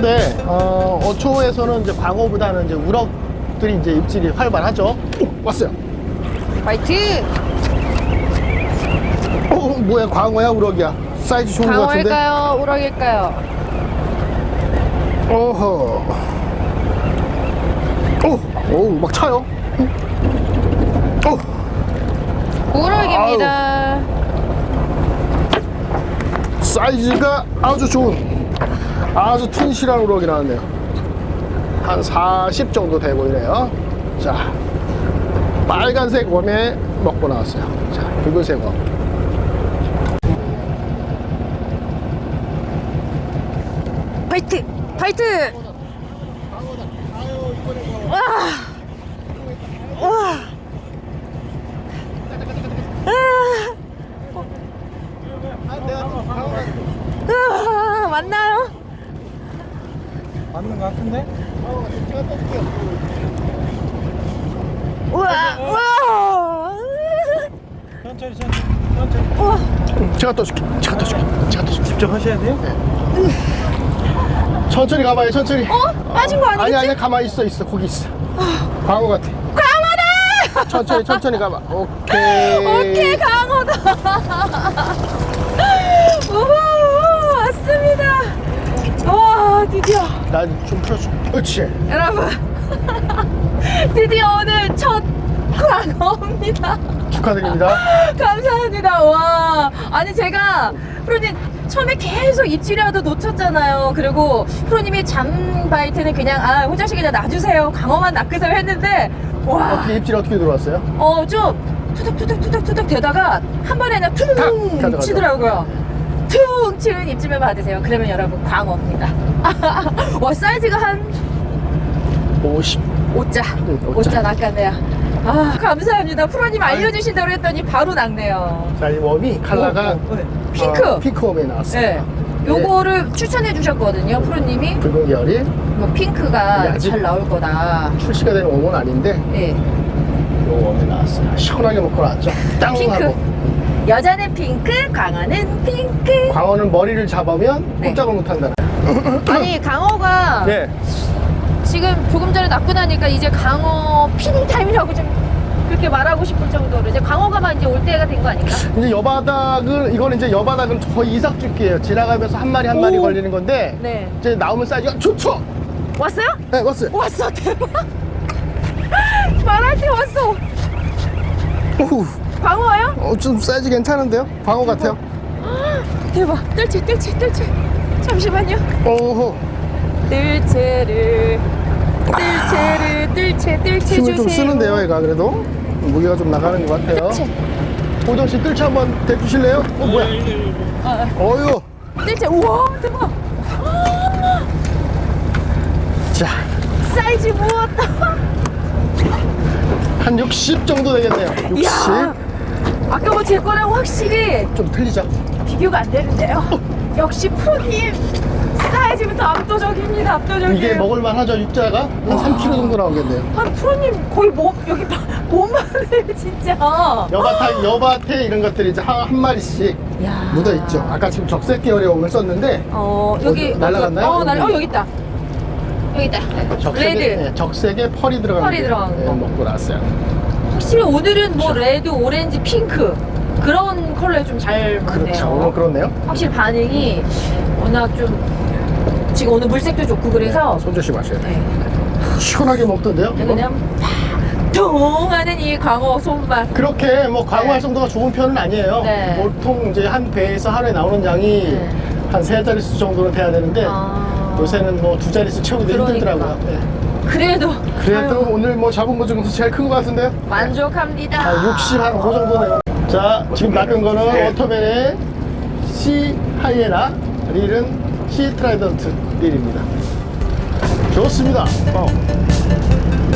어초인데 어초에서는 이제 광어보다는 이제 우럭들이 이제 입질이 활발하죠. 왔어요. 화이팅! 뭐야, 광어야 우럭이야? 사이즈 좋은 것 같은데. 광어일까요? 우럭일까요? 어허. 막 차요. 우럭입니다. 사이즈가 아주 좋은, 아주 튼실한 우럭이 나왔네요. 한 40 정도 돼 보이네요. 자, 빨간색 웜에 먹고 나왔어요. 자, 붉은색 웜. 파이트! 파이트! 와! 와! 맞나요? 맞는 것 같은데? 우와! 우와! 천천히 천천히 우와! 제가 떠줄게. 직접 하셔야 돼요? 천천히 가봐요, 천천히. 빠진 거 아니겠지? 아니, 가만히 있어. 거기 있어. 광어 같아. 광어다! 천천히 가봐. 오케이. 오케이, 광어다! 우후! 왔습니다! 와, 드디어! 난 좀 풀어줘. 그렇지. 여러분, 드디어 오늘 첫 광어입니다. 축하드립니다. 감사합니다. 와, 아니 제가 프로님 처음에 계속 입질이라도 놓쳤잖아요. 그리고 프로님이 잠바이트는 그냥 호정씨 그냥 놔주세요, 광어만 낚으세요 했는데, 와, 어떻게 입질 어떻게 들어왔어요? 좀 투둑투둑 되다가 한 번에 그냥 퉁 가져가죠. 치더라고요. 퉁 치는 입질만 받으세요. 그러면 여러분 광어입니다. 와, 사이즈가 한 50. 5자. 5자 낚았네요. 감사합니다. 프로님 알려주신 대로 했더니 바로 낚네요. 자, 이 웜이 컬러가 핑크. 핑크 웜에 나왔어요. 네. 요거를 추천해 주셨거든요, 프로님이. 붉은 계열이 뭐 핑크가 아직- 잘 나올 거다. 출시가 되는 웜은 아닌데 네. 요 웜에 나왔어요. 시원하게 먹고 나왔죠. 땅 핑크. 하고. 여자는 핑크, 광어는 핑크. 광어는 머리를 잡으면 네. 꼼짝을 못한다. 아니, 강어가 네. 지금 조금 전에 낚고 나니까 이제 강어 피딩 타임이라고 좀 그렇게 말하고 싶을 정도로 이제 강어가만 이제 올 때가 된 거 아닌가? 이제 이거는 이제 여바닥은 거의 이삭죽기예요. 지나가면서 한 마리 한 마리 오. 걸리는 건데 네. 이제 나오면 사이즈가 좋죠. 왔어요? 네, 왔어요. 왔어, 대박. 말할 때 왔어. 오우, 광어예요? 좀 사이즈 괜찮은데요? 광어 같아요. 대박. 뜰채. 잠시만요. 오호. 뜰채 힘을 주세요. 좀 쓰는데요, 얘가 그래도 무게가 좀 나가는 것 같아요. 뜰채. 호정 씨 뜰채 한번 대주실래요? 뭐야? 어유. 뜰채. 우와, 대박. 자, 사이즈 무엇다. 한 60 정도 되겠네요. 60. 이야, 아까 뭐 제 거랑 확실히 좀 틀리죠? 비교가 안 되는데요. 역시 프로님 사이즈부터 압도적입니다. 압도적이에요. 이게 먹을만 하죠, 육자가? 한 3kg 정도 나오겠네요. 한 프로님 거의 여기 몸만을 진짜. 여바태 이런 것들이 이제 한 마리씩 야. 묻어있죠. 아까 지금 적색 계열의 웜을 썼는데 여기 날아갔나요? 여기 있다. 여기 있다. 적색에, 레드. 네, 적색에 펄이 들어간 펄이 들어간 거. 먹고 나왔어요. 확실히 오늘은 뭐 레드, 오렌지, 핑크 그런 컬러에 좀 잘 맞네요. 그렇죠. 오늘 그렇네요. 확실히 반응이 워낙 좀 지금 오늘 물색도 좋고 그래서 손 조심하셔야 돼요. 네. 시원하게 먹던데요? 이거? 그냥 통 하는 이 광어 손맛. 그렇게 뭐 광어할 네. 정도가 좋은 편은 아니에요. 네. 보통 이제 한 배에서 하루에 나오는 양이 네. 한 3자릿수 정도는 돼야 되는데 요새는 뭐 2자릿수 채우기도 그러니까. 힘들더라고요. 네. 그래도 그래도 아유, 오늘 뭐 잡은 거 중에서 제일 큰 것 같은데요? 만족합니다. 한 60, 한 5 정도네요. 자, 지금 낚은 거는 워터맨의 시 하이에나, 릴은 시 트라이던트 릴입니다. 좋습니다.